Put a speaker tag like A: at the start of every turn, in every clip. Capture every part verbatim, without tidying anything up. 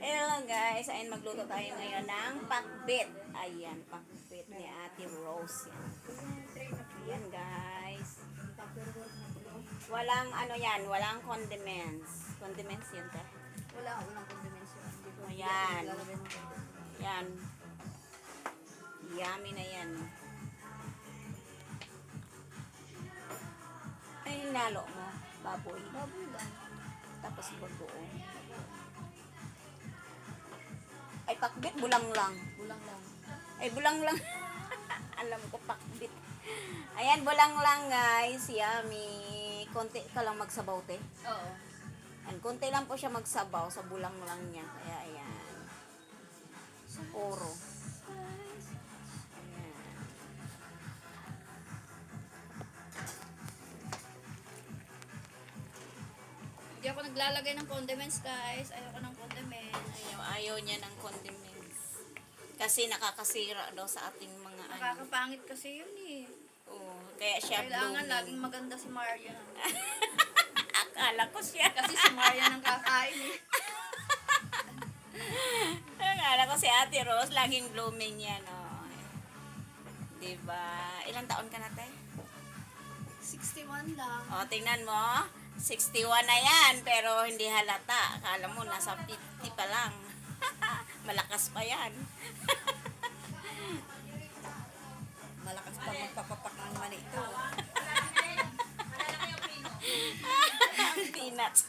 A: Hello guys, ayun magluto tayo ngayon ng pakbit. Ayan, pakbit ni Ate Rose. Yan. Ayan guys. Walang ano yan, walang condiments. Condiments yun te.
B: Wala, walang condiments yun.
A: Ayan. Yan. Yummy na yan. Ay, nalo mo. Baboy.
B: Baboy lang.
A: Tapos bagoong. Ay, pakbit, bulang lang.
B: Bulang lang.
A: Ay, bulang lang. Alam ko, pakbit. Ayan, bulang lang, guys. Yummy. Konti ka lang magsabaw, te.
B: Oo.
A: Ayan, konti lang po siya magsabaw sa bulang lang niya. Kaya, ayan. Sa puro. Ayan.
B: Hindi ako naglalagay ng condiments, guys. Ayoko ng condiments.
A: Ayaw, ayaw niya ng condiments. Kasi nakakasira daw sa ating mga ano.
B: Nakakapangit kasi yun eh.
A: Oo, kaya siya
B: Kailangan
A: blooming.
B: laging maganda si Maria.
A: Akala ko siya.
B: Kasi si Maria nang kakain eh.
A: Akala ko si Ate Rose, laging blooming yan, oh. Diba? Ilang taon ka na, te?
B: sixty-one lang.
A: O, tingnan mo. sixty-one na yan, pero hindi halata. Akala mo, nasa fifty pa lang. Malakas pa yan.
B: Malakas pa magpapapak ng mani ito.
A: Peanuts.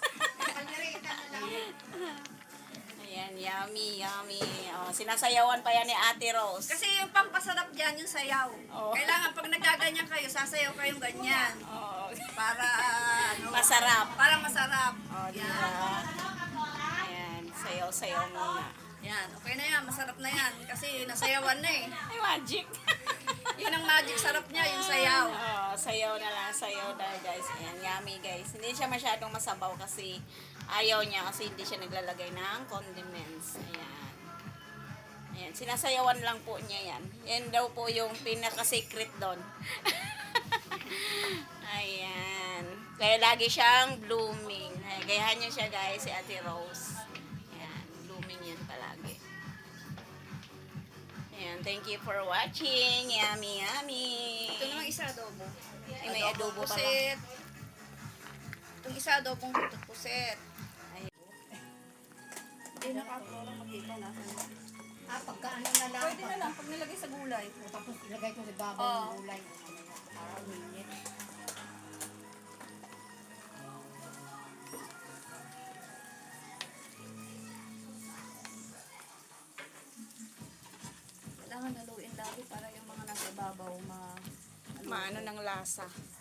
A: Ayan, yummy, yummy. O, sinasayawan pa yan ni Ate Rose.
B: Kasi yung pampasarap dyan, yung sayaw.
A: Oo.
B: Kailangan pag nagaganyan kayo, sasayaw kayong ganyan.
A: Oo.
B: Para ano,
A: Masarap.
B: para masarap.
A: O, diba?
B: Yan.
A: Ayan, sayaw-sayaw muna.
B: Yan, okay na yan, masarap na yan. Kasi nasayawan na eh.
A: Ay, magic.
B: Yun ang magic sarap niya, yung sayaw.
A: Oh, sayaw na lang, sayaw na guys. Ayan, yummy guys. Hindi siya masyadong masabaw kasi ayaw niya kasi hindi siya naglalagay ng condiments. Ayan. Ayan, sinasayawan lang po niya yan. Yan daw po yung pinaka-secret doon. Ayan. Kaya lagi siyang blooming. Ayan, gayahan niyo siya guys, si Ate Rose. Ayan, blooming yan palagi. Ayan, thank you for watching. Yummy, yummy.
B: Ito naman isa adobo.
A: Ay, may adobo pala.
B: pusit. Itong isa adobong butot pusit.
A: Ay.
B: Hindi nakapuro makita na.
C: Ah, pagka ano na lang.
B: Pwede na lang pag nilagay sa gulay.
C: Tapos ilagay ko sa babaw
B: Oo.
C: ng gulay. Para uminit.
B: Kailangan naluin lagi para yung mga nasa babaw ma...
A: Maano ng lasa.